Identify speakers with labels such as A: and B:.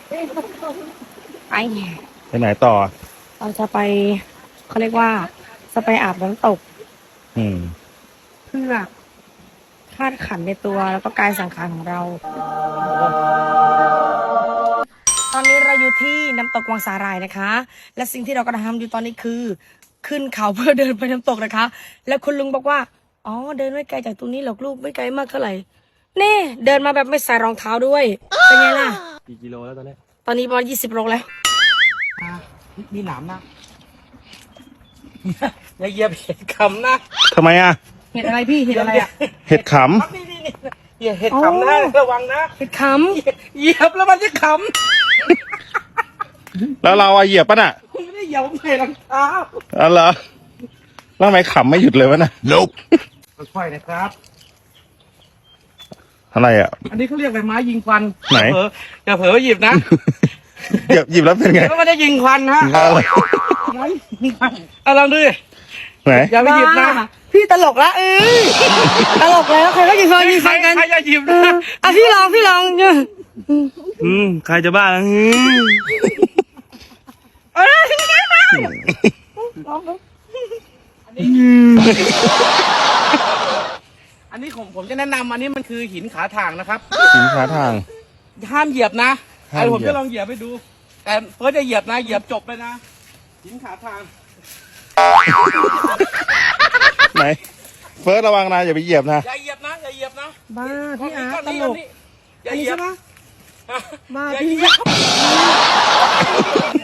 A: ไปไหนต่อ
B: เราจะไปเขาเรียกว่าจะไปอาบน้ำตกเพื่อธาตุขันธ์ในตัวแล้วก็กายสังขารของเรา ตอนนี้เราอยู่ที่น้ำตกวังสาหร่ายนะคะ และสิ่งที่เรากำลังทำอยู่ตอนนี้คือ ขึ้นเขาเพื่อเดินไปน้ำตกนะคะ แล้วคุณลุงบอกว่าอ๋อเดินไม่ไกลจากตรงนี้หรอกลูกไม่ไกลมากเท่าไหร่นี่เดินมาแบบไม่ใส่รองเท้าด้วยเป็นไงล่ะ
A: กี่กิโลแล้วตอนนี้
B: ประมาณ20 โลแล้ว
C: มีหนามนะอย่าเหยียบเห็ดขำนะ
A: ทำไมอ่ะ
B: เห็ดอะไรพี่เห็ดอะไรอ่ะ
A: เห็ดข
C: นี่อย่าเห็ดขำนะระวังนะ
B: เห็ดข
C: เหยียบแล้วมันจะข
A: ำแล้วเราเหยียบป่ะน่ะ
C: ไม่ได้เหยียบใส่รองเท้า
A: อ๋อเหรอแล้วทำไมขำไม่หยุดเลยวะน่ะ Nope
C: ค่อยๆนะครับ
A: อะไรอ่ะ
C: อันนี้เขาเรียกอะไรไม้ยิงควัน
A: ไหน
C: อย่าเผลอหยิบนะ
A: หยิบแล้วเป็นไง
C: แล้วมันจะยิงควันฮะเอาลองดู
A: ไหน
C: อย่าไปหยิบนะ
B: พี่ตลกละตลกแล้วใครก็ยิงไฟกัน
C: ใครจะหยิบนะ
B: อ่ะพี่ลองเนี่ย
C: ใครจะบ้าอันนี้ผมจะแนะนำอันนี้มันคือหินขาถ่างนะครับ
A: หินขาถ่าง
C: ห้ามเหยียบนะไอ้ผมจะลองเหยียบให้ดูแต่เฟิร์สจะเหยียบนะเหยียบจบเลยนะหินขาถ่าง
A: ไหนเฟิร์สระวังนะอย่าไปเหยียบนะ
C: อย่าเหยียบนะอย่าเหยียบนะ
B: บ้าพี่อาร์ตตลก
C: อย่าเหยียบนะ
B: บ้า
C: อย่า
B: พี่
C: เหยียบ